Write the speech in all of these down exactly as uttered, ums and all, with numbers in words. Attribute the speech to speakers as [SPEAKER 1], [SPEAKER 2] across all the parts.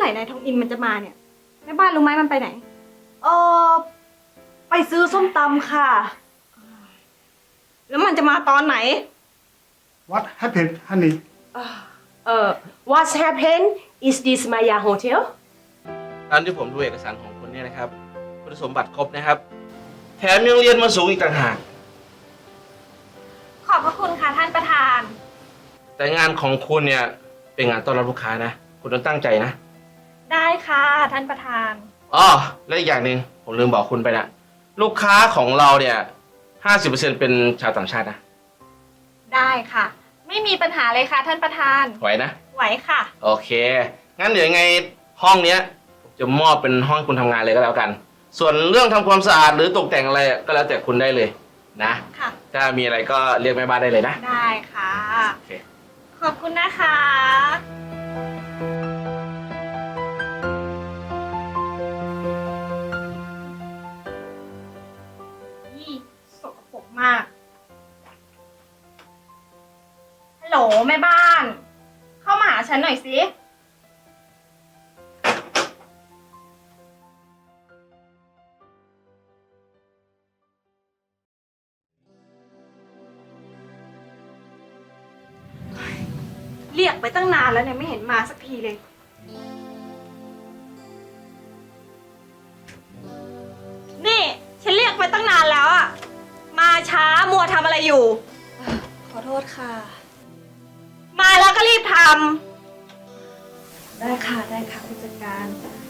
[SPEAKER 1] ร่นายทองอินมันจะมาเนี่ยแม่บ้านรู้ไหมมันไปไหน
[SPEAKER 2] เออไปซื้อส้มตำค่ะ
[SPEAKER 1] แล้วมันจะมาตอนไหน
[SPEAKER 3] What happened honey
[SPEAKER 2] เอ่อ What happened is this Maya Hotel
[SPEAKER 4] ตามที่ผมดูเอกสารของคุณเนี่ยนะครับคุณสมบัติครบนะครับ แถมยังเรียนมาสูงอีกต่างหาก
[SPEAKER 1] ขอบพระคุณค่ะท่านประธาน
[SPEAKER 4] แต่งานของคุณเนี่ยเป็นงานต้อนรับลูกค้านะ คุณต้องตั้งใจนะ
[SPEAKER 1] ได้ค่ะท่านประธาน
[SPEAKER 4] อ๋อและอีกอย่างหนึ่งผมลืมบอกคุณไปนะลูกค้าของเราเนี่ยห้าสิบเปอร์เซ็นต์เป็นชาวต่างชาตินะ
[SPEAKER 1] ได้ค่ะ ไม่มีปัญหาเลยค่ะท่านประธาน
[SPEAKER 4] ไหวนะ
[SPEAKER 1] ไหวค่ะ
[SPEAKER 4] โอเค งั้นเดี๋ยวยังไงห้องเนี้ยผมจะมอบเป็นห้องให้คุณทำงานเลยก็แล้วกัน ส่วนเรื่องทำความสะอาดหรือตกแต่งอะไรก็แล้วแต่คุณได้เลยนะ
[SPEAKER 1] ค่ะ
[SPEAKER 4] ถ้ามีอะไรก็เรียกแม่บ้านได้เลยนะ
[SPEAKER 1] ได้ค่ะ
[SPEAKER 4] โอเค
[SPEAKER 1] ขอบคุณนะคะ นี่สกปรกมาก ฮัลโหลแม่บ้าน เข้ามาหาฉันหน่อยสิ เรียกไปตั้งนานแล้วเนี่ยไม่เห็นมาสักทีเลย นี่ฉันเรียกไปตั้งนานแล้วอะมาช้ามัวทำอะไรอยู่
[SPEAKER 2] ขอโทษค่ะ
[SPEAKER 1] มาแล้วก็รีบท
[SPEAKER 2] ได้ค่ะได้ค่ะผู้จัดการ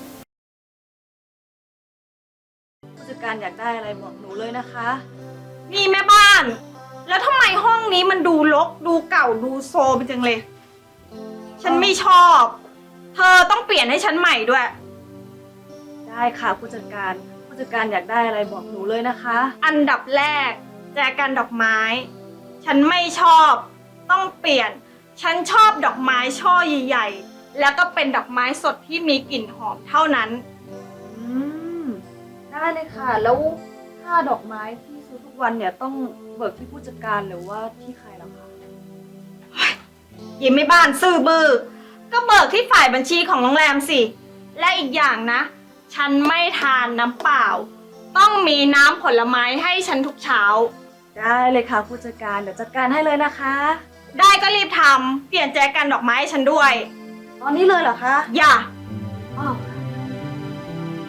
[SPEAKER 2] ผู้จัดการอยากได้อะไรบอกหนูเลยนะคะ
[SPEAKER 1] ำนี่แม่บ้าน แล้วทำไมห้องนี้มันดูรกดูเก่าดูโซมจังเลย ฉันไม่ชอบ เธอต้องเปลี่ยนให้ฉันใหม่ด้วย
[SPEAKER 2] ได้ค่ะผู้จัดการผู้จัดการอยากได้อะไรบอกหนูเลยนะคะ
[SPEAKER 1] อันดับแรกแจกันดอกไม้ ฉันไม่ชอบ ต้องเปลี่ยน ฉันชอบดอกไม้ช่อใหญ่ๆแล้วก็เป็นดอกไม้สดที่มีกลิ่นหอมเท่านั้น
[SPEAKER 2] อืมได้เลยค่ะ แล้วค่าดอกไม้ที่ซื้อทุกวันเนี่ยต้องเบิกที่ผู้จัดการหรือว่าที่ใครล่ะคะ
[SPEAKER 1] ยิ้มไม่บ้านซื่อบือ้อก็เบิกที่ฝ่ายบัญชีของโรงแรมสิ และอีกอย่างนะ ฉันไม่ทานน้ำเปล่า ต้องมีน้ำผลไม้ให้ฉันทุกเช้า
[SPEAKER 2] ได้เลยค่ะผู้จัดการเดี๋ยวจัดการให้เลยนะคะ
[SPEAKER 1] ได้ก็รีบทำเปลี่ยนแจกันดอกไม้ให้ฉันด้วย
[SPEAKER 2] ตอนนี้เลยเหรอคะ
[SPEAKER 1] อย่า
[SPEAKER 2] อ้าวค่ะ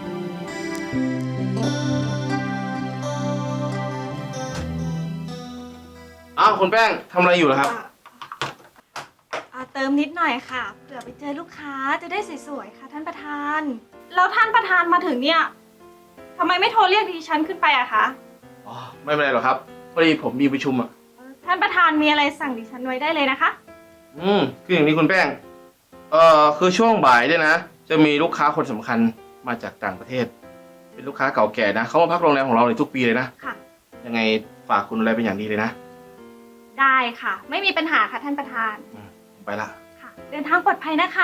[SPEAKER 4] อ้าวคุณแป้งทำอะไรอยู่ล่ะครับ
[SPEAKER 1] อ่าเติมนิดหน่อยค่ะเผื่อไปเจอลูกค้าจะได้สวยๆค่ะท่านประธาน แล้วท่านประธานมาถึงเนี่ยทำไมไม่โทรเรียกดิฉันขึ้นไปอะคะ
[SPEAKER 4] อ๋อ ไม่เป็นไรหรอกครับพอดีผมมีประชุมอ่ะ
[SPEAKER 1] ท่านประธานมีอะไรสั่งดิฉันไว้ได้เลยนะคะ
[SPEAKER 4] อืมคืออย่างนี้คุณแป้ง เอ่อคือช่วงบ่ายเนี่ยนะ จะมีลูกค้าคนสำคัญมาจากต่างประเทศ เป็นลูกค้าเก่าแก่นะเขามาพักโรงแรมของเราในทุกปีเลยนะ
[SPEAKER 1] ค่ะ
[SPEAKER 4] ยังไงฝากคุณอะไรเป็นอย่างดีเลยนะ
[SPEAKER 1] ได้ค่ะ ไม่มีปัญหาค่ะท่านประธาน
[SPEAKER 4] อืมผมไปละ
[SPEAKER 1] ค่ะ เดินทางปลอดภัยนะคะ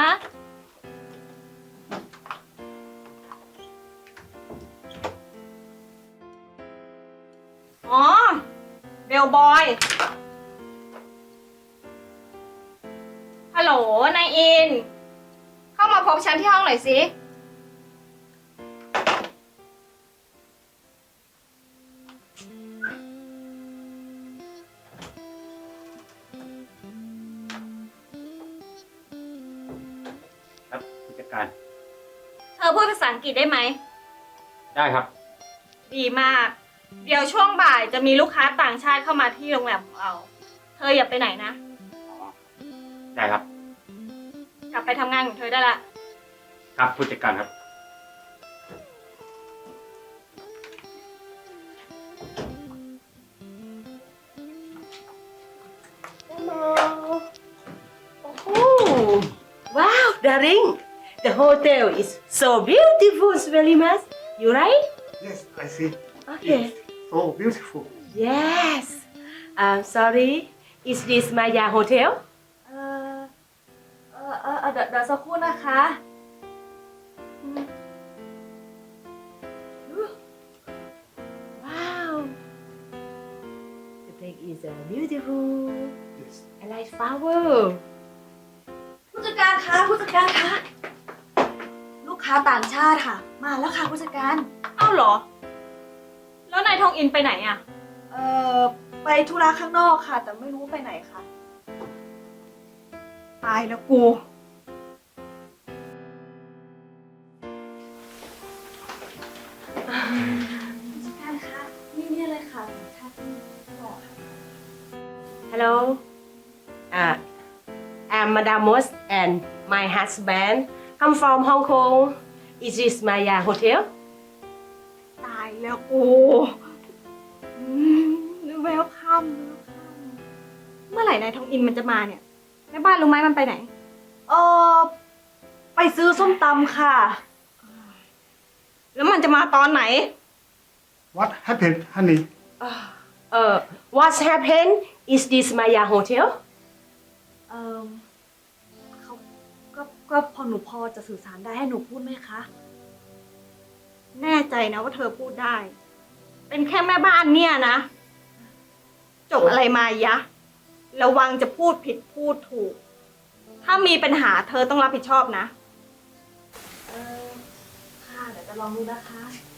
[SPEAKER 1] อ๋อ เบลบอย ฮัลโหล นายอิน เข้ามาพบฉันที่ห้องหน่อยสิ
[SPEAKER 5] ครับผู้จัดการ
[SPEAKER 1] เธอพูดภาษาอังกฤษได้ไหม
[SPEAKER 5] ได้ครับ
[SPEAKER 1] ดีมาก เดี๋ยวช่วงบ่ายจะมีลูกค้าต่างชาติเข้ามาที่โรงแรมของเรา เธออย่าไปไหนนะ
[SPEAKER 5] ได้ครับ
[SPEAKER 1] กลับไปทำงานของเธอได้ละ
[SPEAKER 5] ครับผู้จัดการครับ
[SPEAKER 2] Hello. Oh, wow, darling. The hotel is so beautiful, Svelimas. You right?
[SPEAKER 3] Yes I see
[SPEAKER 2] Okay.
[SPEAKER 3] It's so beautiful
[SPEAKER 2] Yes. I'm sorry. Is this Maya Hotel? เอ่อเอ่อเอ่อเอ่อเดี๋ยวเดี๋ยวสักครู่นะคะอืม Wow. The place is uh, beautiful.
[SPEAKER 3] Yes
[SPEAKER 2] I like flower. ผู้จัดการคะผู้จัดการคะ
[SPEAKER 6] ค้าต่างชาติค่ะ มาแล้วค่ะผู้จัดการ
[SPEAKER 1] เอ้าเหรอ แล้วนายทองอินไปไหนอะ
[SPEAKER 6] เอ่อ ไปธุระข้างนอกค่ะ แต่ไม่รู้ไปไหนค่ะ
[SPEAKER 1] ตายแล้วกู
[SPEAKER 6] ผู้จัดการคะนี่เนี่ยเลยค่ะสัญชาติที่บอกค่ะ
[SPEAKER 2] Hello. Uh, I'm Madame Moss and my husband come from Hong Kong. Is this Maya Hotel?
[SPEAKER 1] ตายแล้วกูเวลคัมเมื่อไหร่นายทองอินมันจะมาเนี่ยแม่บ้านรู้ไหมมันไปไหน
[SPEAKER 6] เออไปซื้อส้มตำค่ะ
[SPEAKER 1] แล้วมันจะมาตอนไหน
[SPEAKER 3] What happened, honey?
[SPEAKER 2] Uh, what's happened? Is this Maya Hotel?
[SPEAKER 6] เออเขาก็ก็พอหนูพอจะสื่อสารได้ให้หนูพูดไหมคะ
[SPEAKER 1] แน่ใจนะว่าเธอพูดได้ เป็นแค่แม่บ้านเนี่ยนะ จบอะไรมายะ ระวังจะพูดผิดพูดถูก ถ้ามีปัญหาเธอต้องรับผิดชอบนะ
[SPEAKER 6] เออค่ะเดี๋ยวจะลองดูนะคะ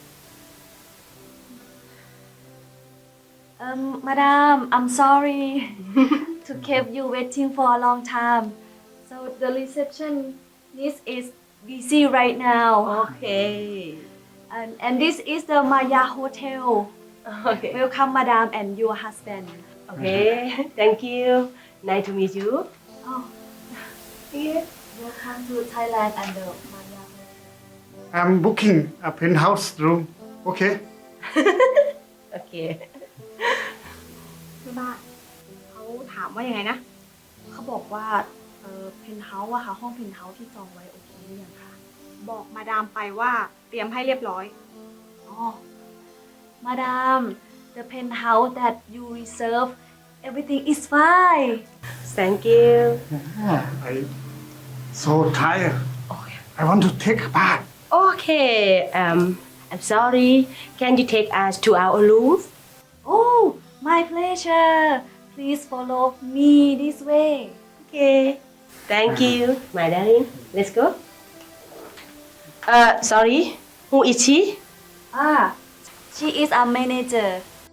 [SPEAKER 6] Um, Madam, I'm sorry to keep you waiting for a long time. So the receptionist is busy right now.
[SPEAKER 2] Okay.
[SPEAKER 6] And, and this is the Maya Hotel.
[SPEAKER 2] Okay.
[SPEAKER 6] Welcome, Madam, and your husband.
[SPEAKER 2] Okay. Thank you. Nice to meet you.
[SPEAKER 6] Oh, here. Welcome to Thailand and the Maya Hotel.
[SPEAKER 3] I'm booking a penthouse room. Okay?
[SPEAKER 2] Okay.
[SPEAKER 1] แม่บ้านเขาถามว่ายังไงนะ
[SPEAKER 6] เขาบอกว่าเออเพนท์เฮาส์อะค่ะ ห้องเพนท์เฮาส์ที่จองไว้โอเคหรือยังคะ
[SPEAKER 1] บอกมาดามไปว่าเตรียมให้เรียบร้อย
[SPEAKER 6] อ๋อ Madam, the penthouse that you reserve, everything is fine.
[SPEAKER 2] Thank you.
[SPEAKER 3] Oh, I'm so tired.
[SPEAKER 2] Okay.
[SPEAKER 3] I want to take a bath.
[SPEAKER 2] Okay. Um, I'm sorry. Can you take us to our room?
[SPEAKER 6] Oh, my pleasure. Please follow me this way.
[SPEAKER 2] Okay. Thank you, my darling. Let's go. Uh, sorry. Who is she?
[SPEAKER 6] Ah, she is a manager.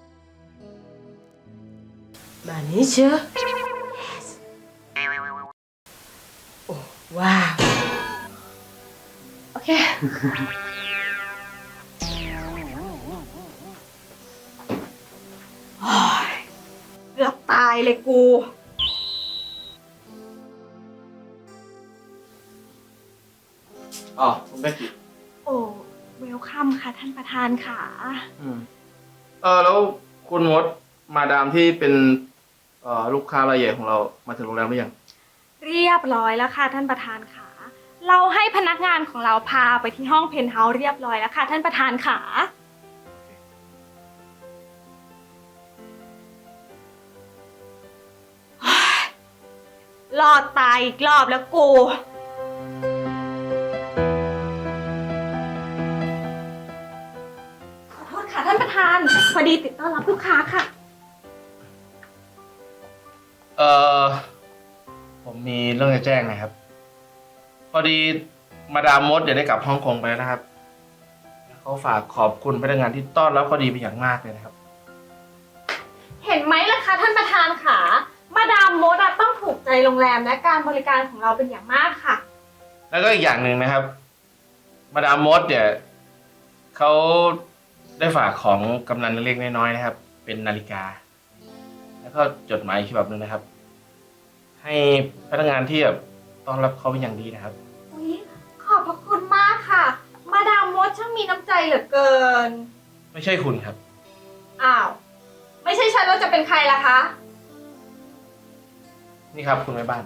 [SPEAKER 2] Manager. Yes. Oh, wow. Okay.
[SPEAKER 1] เกือบตายเลยกู
[SPEAKER 4] อ๋อคุณแม่กิจ
[SPEAKER 1] โอ้เวลคัมค่ะท่านประธานค่ะ
[SPEAKER 4] อืมเออแล้วคุณมดมาดามที่เป็นเอ่อลูกค้ารายใหญ่ของเรามาถึงโรงแรมหรือยัง
[SPEAKER 1] เรียบร้อยแล้วค่ะท่านประธานค่ะ เราให้พนักงานของเราพาไปที่ห้องเพนท์เฮาส์เรียบร้อยแล้วค่ะท่านประธานค่ะ รอดตายอีกรอบแล้วกู ขอโทษค่ะท่านประธาน พอดีติดต้อนรับลูกค้าค่ะ
[SPEAKER 4] เออผมมีเรื่องจะแจ้งนะครับ พอดีมาดามมดเดี๋ยวได้กลับฮ่องกงไปแล้วนะครับเขาฝากขอบคุณพนักงานที่ต้อนรับเขาดีเป็นอย่างมากเลยนะครับ
[SPEAKER 1] เห็นไหมล่ะคะท่านประธานค่ะ มาดามมดอะต้องถูกใจโรงแรมและการบริการของเราเป็นอย่างมากค่ะ
[SPEAKER 4] แล้วก็อีกอย่างหนึ่งนะครับ มาดามมดเนี่ยเขาได้ฝากของกำนันเล็กๆน้อยๆนะครับ เป็นนาฬิกา แล้วก็จดหมายฉบับหนึ่งนะครับ ให้พนักงานที่แบบต้อนรับเขาเป็นอย่างดีนะครับ
[SPEAKER 1] อุ๊ยขอบพระคุณมากค่ะ มาดามมดช่างมีน้ำใจเหลือเกิน
[SPEAKER 4] ไม่ใช่คุณครับ
[SPEAKER 1] อ้าว ไม่ใช่ฉันแล้วจะเป็นใครล่ะคะ
[SPEAKER 4] นี่ครับคุณแม่บ้าน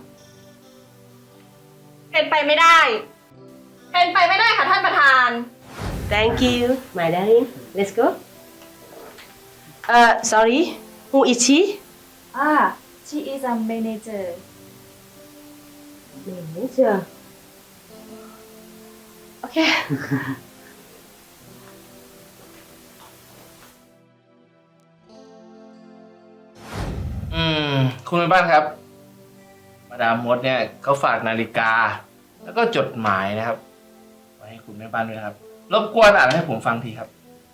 [SPEAKER 1] เป็นไปไม่ได้ เป็นไปไม่ได้ค่ะท่านประธาน
[SPEAKER 2] Thank you, my darling. Let's go. Uh, sorry. Who is she?
[SPEAKER 6] Ah, she is a manager.
[SPEAKER 2] Manager. Okay.
[SPEAKER 4] อืมคุณแม่บ้านครับ มาดามมดเนี่ยเขาฝากนาฬิกา แล้วก็จดหมายนะครับ ไว้ให้คุณแม่บ้านด้วยนะครับ รบกวนอ่านให้ผมฟังทีครับ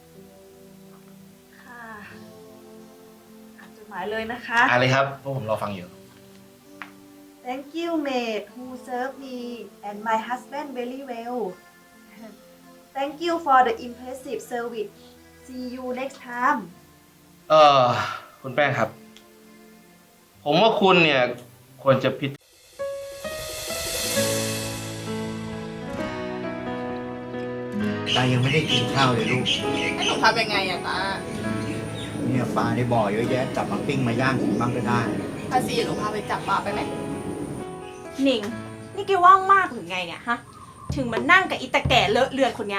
[SPEAKER 6] ค่ะอ่านจดหมายเลยนะคะ
[SPEAKER 4] อ่านเลยครับเพราะผมรอฟังอยู่
[SPEAKER 6] Thank you maid who served me and my husband very well Thank you for the impressive service See you next time
[SPEAKER 4] เออคุณแป้งครับ ผมว่าคุณเนี่ยควรจะพิจ
[SPEAKER 7] ตายังไม่ได้กินข้าวเลยลูก
[SPEAKER 1] ให้หนูทำยังไงอะตา
[SPEAKER 7] เนี่ยปลาในบ่อเยอะแยะจับมาปิ้งมาย่างกินบ้างก็ได้
[SPEAKER 1] ภาษีหนูพาไปจับปลาไปไหม
[SPEAKER 8] หนิง นี่แกว่างมากหรือไงเนี่ยฮะ ถึงมานั่งกับอีตาแก่เลอะเลือนคนเนี้ย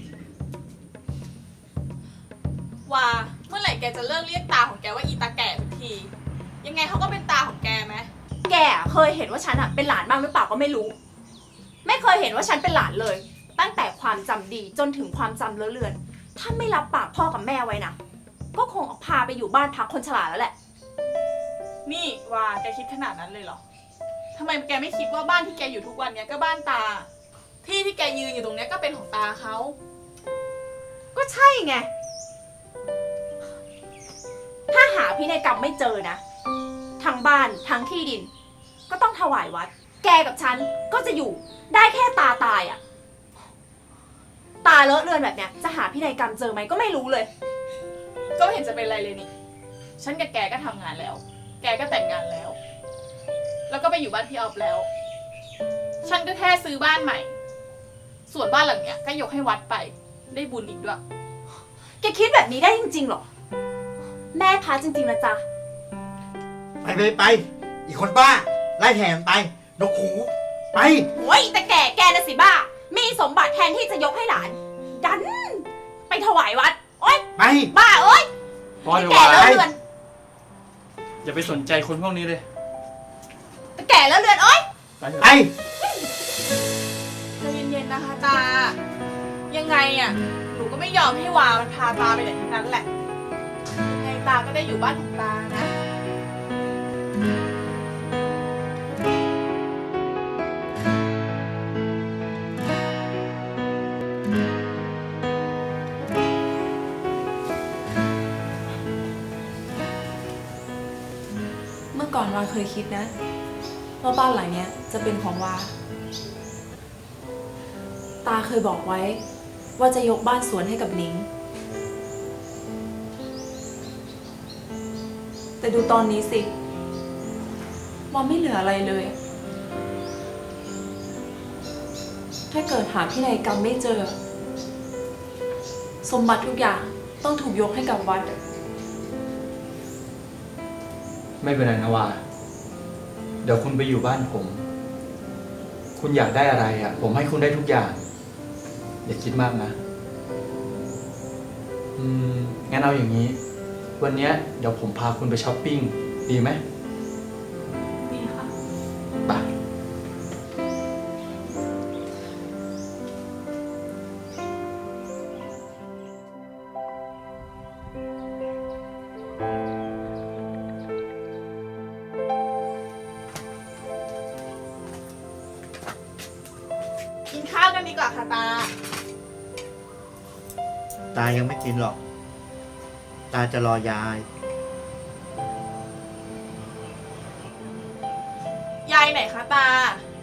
[SPEAKER 1] ว่าเมื่อไหร่แกจะเลิกเรียกตาของแกว่าอีตาแก่ทุกที ยังไงเขาก็เป็นตาของแกไหม
[SPEAKER 8] แกอะเคยเห็นว่าฉันอะเป็นหลานบ้างหรือเปล่าก็ไม่รู้ ไม่เคยเห็นว่าฉันเป็นหลานเลย ตั้งแต่ความจำดีจนถึงความจำเลอะเลือน ถ้าไม่รับปากพ่อกับแม่ไว้นะ ก็คงเอาพาไปอยู่บ้านพักคนชราแล้วแหละ
[SPEAKER 1] นี่ว่าแกคิดขนาดนั้นเลยเหรอทำไมแกไม่คิดว่าบ้านที่แกอยู่ทุกวันเนี้ยก็บ้านตา ที่ที่แกยืนอยู่ตรงเนี้ยก็เป็นของตาเขา
[SPEAKER 8] ก็ใช่ไง ถ้าหาพินัยกรรมไม่เจอนะ ทั้งบ้านทั้งที่ดิน ก็ต้องถวายวัด แกกับฉันก็จะอยู่ได้แค่ตาตายอะตาเลอะเลือนแบบเนี้ยจะหาพินัยกรรมเจอไหมก็ไม่รู้เลย
[SPEAKER 1] ก็ไม่เห็นจะเป็นไรเลยนี่ ฉันกับแกก็ทำงานแล้ว แกก็แต่งงานแล้ว แล้วก็ไปอยู่บ้านพี่ออฟแล้ว ฉันก็แค่ซื้อบ้านใหม่ ส่วนบ้านหลังเนี้ยก็ยกให้วัดไป ได้บุญอีกด้วย
[SPEAKER 8] แกคิดแบบนี้ได้จริงๆหรอ แม่พาจริงๆนะจ๊ะ
[SPEAKER 7] ไปไปไป อีกคนบ้า ไล่แถมไป นกหู ไป
[SPEAKER 8] โอ้ยแต่แก่แกนะสิบ้า มีสมบัติแทนที่จะยกให้หลาน ดัน ไปถวายวัด โอ๊ย
[SPEAKER 7] ไป
[SPEAKER 8] บ้าเอ้ย
[SPEAKER 5] พอเดี๋ยว
[SPEAKER 8] แก่
[SPEAKER 5] วา
[SPEAKER 8] แล้วเรือน
[SPEAKER 5] อย่าไปสนใจคนพวกนี้เลย
[SPEAKER 8] แต่แก่แล้วเรือนโอ๊ย
[SPEAKER 5] ไปเถอะ
[SPEAKER 7] ไป
[SPEAKER 1] ใจเย็นๆนะคะตา ยังไงอ่ะ หนูก็ไม่ยอมให้วามันพาตาไปไหนทั้งนั้นแหละ ยังไงตาก็ได้อยู่บ้านของตานะ
[SPEAKER 9] เมื่อก่อนวาเคยคิดนะว่าบ้านหลังเนี้ยจะเป็นของวา ตาเคยบอกไว้ว่าจะยกบ้านสวนให้กับหนิง แต่ดูตอนนี้สิวาไม่เหลืออะไรเลย ถ้าเกิดหาพินัยกรรมไม่เจอ สมบัติทุกอย่างต้องถูกยกให้กับวัด
[SPEAKER 10] ไม่เป็นไรนะวาเดี๋ยวคุณไปอยู่บ้านผม คุณอยากได้อะไรอ่ะ ผมให้คุณได้ทุกอย่าง อย่าคิดมากนะ อืม งั้นเอาอย่างนี้ วันเนี้ยเดี๋ยวผมพาคุณไปช้อปปิ้ง ดีไหม
[SPEAKER 9] ดีค่ะ
[SPEAKER 10] ไป
[SPEAKER 1] กินข้าวกันดีกว่าค่ะตา
[SPEAKER 7] ตายังไม่กินหรอก ตาจะรอยาย
[SPEAKER 1] ยายไหนคะตา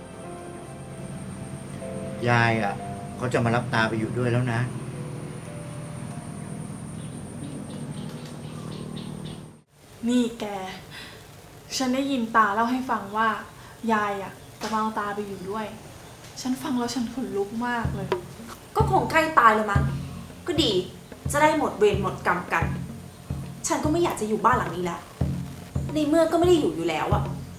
[SPEAKER 7] ยายอ่ะเขาจะมารับตาไปอยู่ด้วยแล้วนะ
[SPEAKER 11] นี่แก ฉันได้ยินตาเล่าให้ฟังว่า ยายอ่ะจะมาเอาตาไปอยู่ด้วย ฉันฟังแล้วฉันขนลุกมากเลย
[SPEAKER 8] ก็คงใกล้ตายแล้วมั้ง ก็ดี จะได้หมดเวรหมดกรรมกัน ฉันก็ไม่อยากจะอยู่บ้านหลังนี้แล้ว ในเมื่อก็ไม่ได้อยู่อยู่แล้วอะ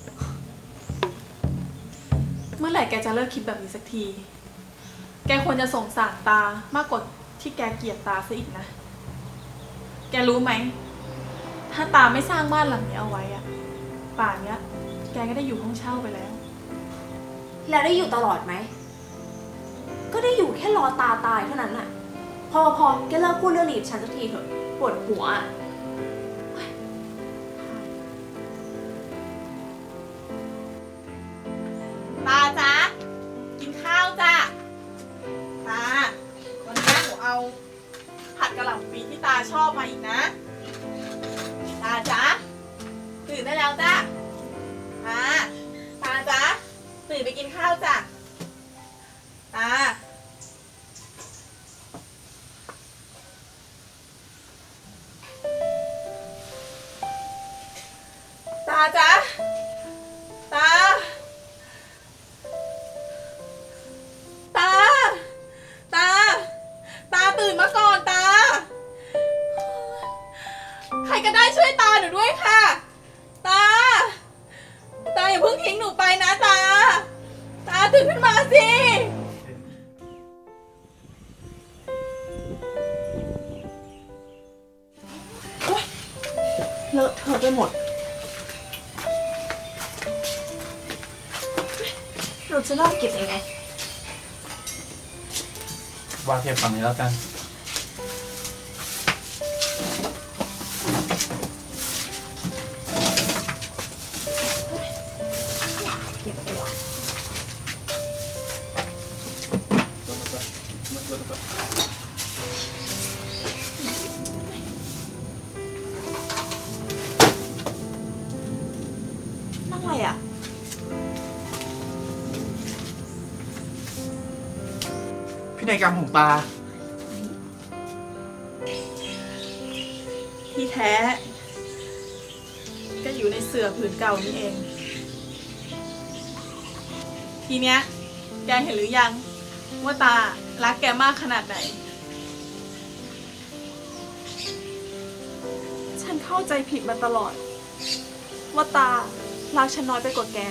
[SPEAKER 11] เมื่อไหร่แกจะเลิกคิดแบบนี้สักที แกควรจะสงสารตามากกว่าที่แกเกลียดตาซะอีกนะ แกรู้ไหม ถ้าตาไม่สร้างบ้านหลังนี้เอาไว้อะป่านเนี้ย แกก็ได้อยู่ห้องเช่าไปแล้ว
[SPEAKER 8] แล้วได้อยู่ตลอดไหม ก็ได้อยู่แค่รอตาตายเท่านั้นน่ะ พอพอแกเลิกพูดเรื่องนี้กับฉันสักทีเถอะ ปวดหัวอะ
[SPEAKER 1] ตาจ๊ะ กินข้าวจ้ะ ตา
[SPEAKER 11] ผัดกะหล่ำปีที่ตาชอบมาอีกนะ ตาจ๊ะตื่นได้แล้วจ้ะตาตาจ๊ะตื่นไปกินข้าวจ้ะตาตาจ๊ะตาตาตาตาตื่นมาก่อนตาใครก็ได้ช่วยตาหนูด้วยค่ะตาตาอย่าเพิ่งทิ้งหนูไปนะตาตาตื่นขึ้นมาสิโอ๊ยเลอะเทอะไปหมดเราจะเริ่มเก็บยังไง
[SPEAKER 5] วางเก็บฝั่งนี้แล้วกัน
[SPEAKER 11] นั่นอะไรอ่ะ
[SPEAKER 5] พินัยกรรมของตา
[SPEAKER 11] ที่แท้ ก็อยู่ในเสื่อผืนเก่านี่เอง ทีเนี้ย แกเห็นหรือยัง ว่าตารักแกมากขนาดไหน ฉันเข้าใจผิดมาตลอด ว่าตารักฉันน้อยไปกว่าแก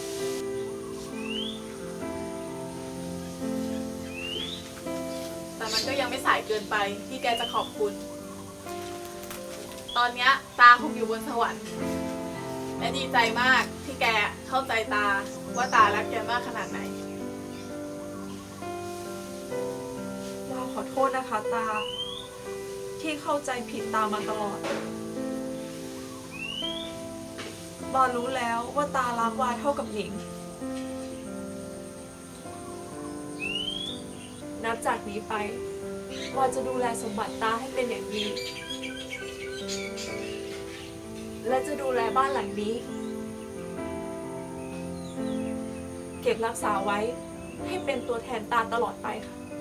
[SPEAKER 11] แต่มันก็ยังไม่สายเกินไปที่แกจะขอบคุณ ตอนเนี้ยตาคงอยู่บนสวรรค์ และดีใจมากที่แกเข้าใจตาว่าตารักแกมากขนาดไหน
[SPEAKER 9] เราขอโทษนะคะตา ที่เข้าใจผิดตามาตลอดวารู้แล้วว่าตารักวาเท่ากับหนิง นับจากนี้ไปวาจะดูแลสมบัติตาให้เป็นอย่างดี และจะดูแลบ้านหลังนี้ เก็บรักษาไว้ให้เป็นตัวแทนตาตลอดไปค่ะ